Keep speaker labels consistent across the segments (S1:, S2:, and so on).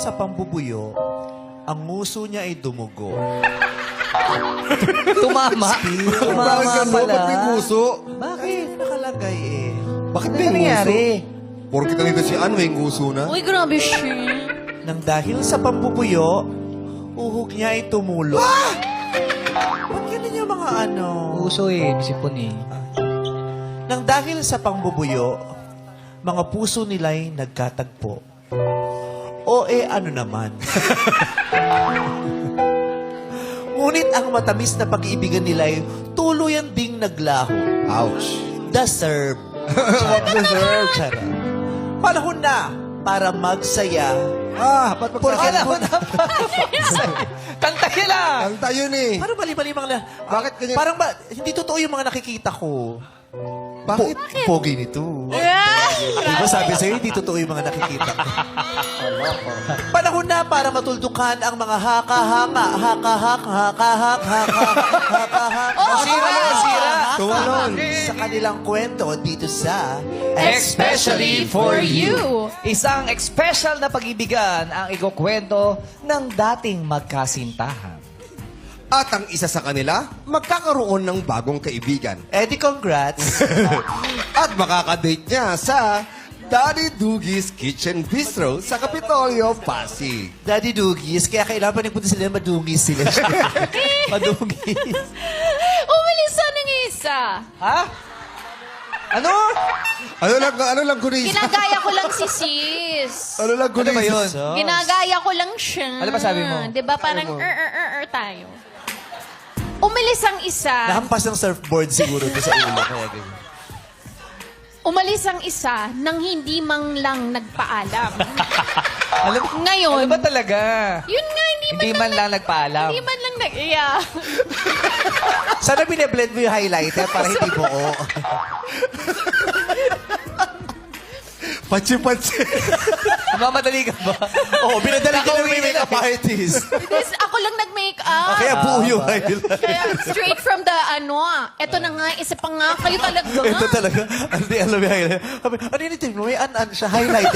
S1: sa pambubuyo, ang nguso niya ay dumugo.
S2: Tumama. Tumama
S3: Bakit
S2: pala.
S3: Ba't may guso?
S1: Bakit? Nakalagay eh.
S3: Bakit
S2: Ano
S3: may guso?
S2: nangyari?
S3: Porkit nandito si Ann, may guso na.
S4: Uy, grabe siya.
S1: Nang dahil sa pambubuyo, uhog niya ay tumulo. Ba't ganun yung mga ano?
S2: Puso eh. Sipon eh.
S1: Nang dahil sa pambubuyo, mga puso nila'y nagkatagpo. O ano naman. Ngunit ang matamis na pag-iibigan nila'y tuluyan ding naglaho.
S3: Ouch.
S1: Deserve.
S3: Deserve.
S1: Charot. Panahon na para magsaya.
S3: Ba't
S2: Panahon na. Kanta niya lang.
S3: Kanta yun eh.
S1: Parang mali-mali mga
S3: Bakit ganyan?
S1: Parang hindi totoo yung mga nakikita ko.
S3: Bakit?
S1: Pogi nito. Di ba sabi sa'yo, hindi totoo yung mga nakikita ko. Panahon na para matuldukan ang mga haka-haka,
S2: Sira.
S3: Tumalon.
S1: Sa kanilang kwento dito sa
S2: Especially for you. Isang special na pag-ibigan ang ikukwento ng dating magkasintahan.
S3: At ang isa sa kanila, magkakaroon ng bagong kaibigan.
S1: Eddie, congrats.
S3: At makakadate niya sa Daddy Doogie's Kitchen Bistro sa Kapitolyo, Pasig.
S1: Daddy Dugis, kaya kailangan pa nagpunta sila, madungis sila. Madungis.
S4: Umalisa ng isa.
S2: Ha? Ano?
S3: Ano lang gulis?
S4: Ginagaya ko lang si sis.
S3: Ano lang gulis?
S2: Ano ba yun?
S4: Ginagaya ko lang siya.
S2: Ano ba sabi mo?
S4: Diba parang tayo. Umalis ang isa.
S1: Nahampas ng surfboard siguro to sa ulo. Kaya ganyan.
S4: Umalis ang isa nang hindi man lang nagpaalam.
S2: Alam,
S4: Ngayon,
S2: ano ba talaga?
S4: yun nga,
S2: Hindi man lang nagpaalam.
S4: Hindi man lang nag-iya.
S1: Sana bine-blend mo yung highlighter para hindi buo.
S3: Patsi-patsi.
S2: Mamadali ka ba?
S1: Oo, binadala ka ng may
S2: Nakauwi
S1: makeup
S2: na.
S1: artist.
S4: Because ako lang nag-makeup.
S1: Kaya buo yung highlighter.
S4: Kaya straight from the eto na nga, isa pa nga, kayo talaga.
S1: Ito talaga. Hindi alam yung highlighter. Sabi, ano yun ito? May an siya highlighter.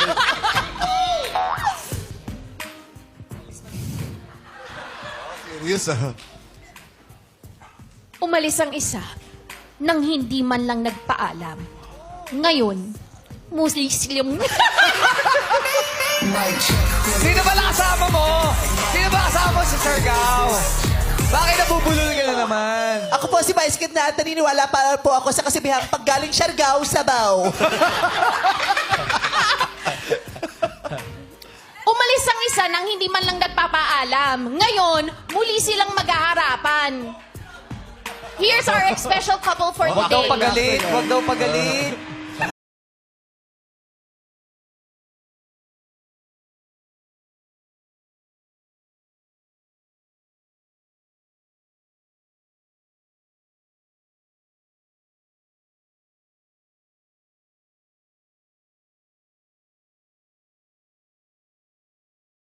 S3: Serious ah.
S4: Umalis ang isa nang hindi man lang nagpaalam. Ngayon, muslim.
S2: Sino ba kasama mo? Sino ba kasama mo si Sargao? Bakit nabubulol ka na naman?
S1: Ako po si Vice Kid na at naniniwala pa po ako sa kasibihang paggaling Siargao, Sabaw.
S4: Umalis ang isa nang hindi man lang nagpapaalam. Ngayon, muli silang mag-aaharapan. Here's our special couple for
S2: Huwag daw
S4: today.
S2: pagalit. Huwag daw pagalit.